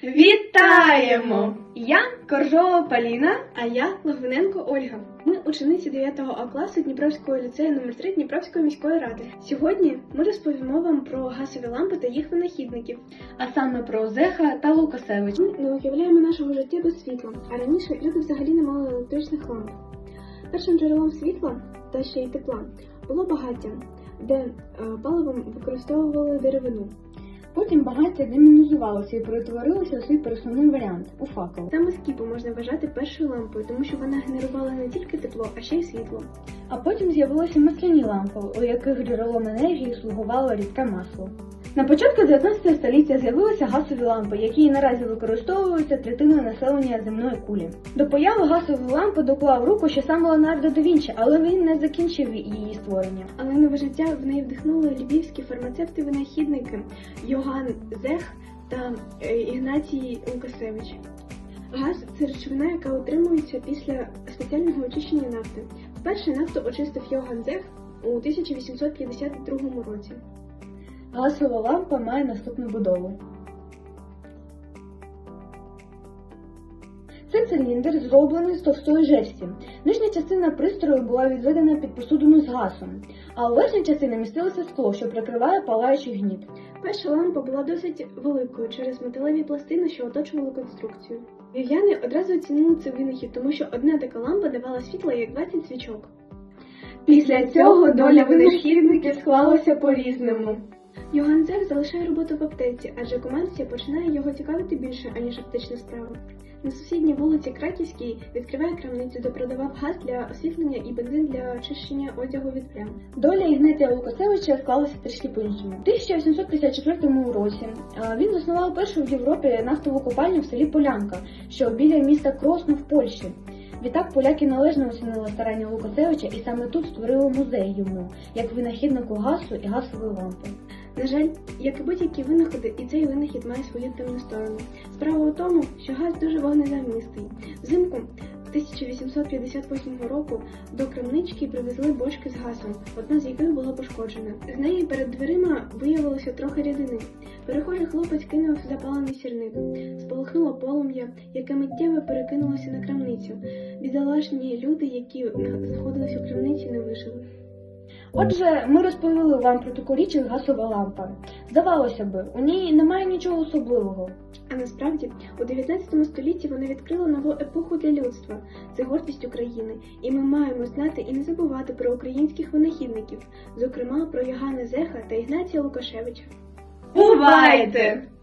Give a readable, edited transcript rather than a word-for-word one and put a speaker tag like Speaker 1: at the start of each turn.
Speaker 1: Вітаємо! Я Коржова Поліна.
Speaker 2: А я Логвиненко Ольга. Ми учениці 9 А класу Дніпровського ліцею номер 3 Дніпровської міської ради. Сьогодні ми розповімо вам про газові лампи та їх винахідників.
Speaker 1: А саме про Зеха та Лукасевича.
Speaker 2: Ми не уявляємо нашого життя без світла, а раніше люди взагалі не мали електричних ламп. Першим джерелом світла та ще й тепла було багаття, де паливом використовували деревину.
Speaker 1: Потім багаття демінізувалося і перетворилося у свій пересувний варіант – у факел.
Speaker 2: Саме скіпу можна вважати першою лампою, тому що вона генерувала не тільки тепло, а ще й світло.
Speaker 1: А потім з'явилися масляні лампи, у яких джерелом енергії слугувало рідке масло. На початку 19 століття з'явилися газові лампи, які і наразі використовуються третиною населення земної кулі. До появи газової лампи доклав руку ще сам Леонардо да Вінчі, але він не закінчив її створення.
Speaker 2: Але нове життя в неї вдихнули львівські фармацевти-винахідники Йоганн Зех та Ігнатій Лукасевич. Газ – це речовина, яка утримується після спеціального очищення нафти. Вперше нафту очистив Йоганн Зех у 1852 році.
Speaker 1: Газова лампа має наступну будову. Це циліндр, зроблений з товстої жерсті. Нижня частина пристрою була відведена під посудину з газом, а у верхній частині містилося скло, що прикриває палаючий гніт.
Speaker 2: Перша лампа була досить великою через металеві пластини, що оточували конструкцію. Львів'яни одразу оцінили цей винахід, тому що одна така лампа давала світло, як 20 свічок.
Speaker 1: Після цього доля винахідників склалася по-різному.
Speaker 2: Йоганн Зех залишає роботу в аптеці, адже комерція починає його цікавити більше, аніж аптечна справа. На сусідній вулиці Краківській відкриває крамницю, де продавав газ для освітлення і бензин для очищення одягу від плям.
Speaker 1: Доля Ігнатія Лукасевича склалася трішки по-іншому. У 1854 році він заснував першу в Європі нафтову копальню в селі Полянка, що біля міста Кросно в Польщі. Відтак поляки належно оцінили старання Лукасевича і саме тут створили музей йому, як винахіднику газу і газової лампи.
Speaker 2: На жаль, як і будь-які винаходи, і цей винахід має свою темну сторону. Справа у тому, що газ дуже вогнезамистий. Взимку 1858 року до крамнички привезли бочки з газом, одна з яких була пошкоджена. З неї перед дверима виявилося трохи рідини. Перехожий хлопець кинув запалений сірник. Спалахнуло полум'я, яке миттєво перекинулося на крамницю. Бідолашні люди, які знаходились у крамниці, не вижили.
Speaker 1: Отже, ми розповіли вам про таку річ, як газова лампа. Здавалося би, у ній немає нічого особливого.
Speaker 2: А насправді, у 19 столітті вона відкрила нову епоху для людства. Це гордість України. І ми маємо знати і не забувати про українських винахідників, зокрема про Йоганна Зеха та Ігнатія Лукашевича.
Speaker 1: Бувайте!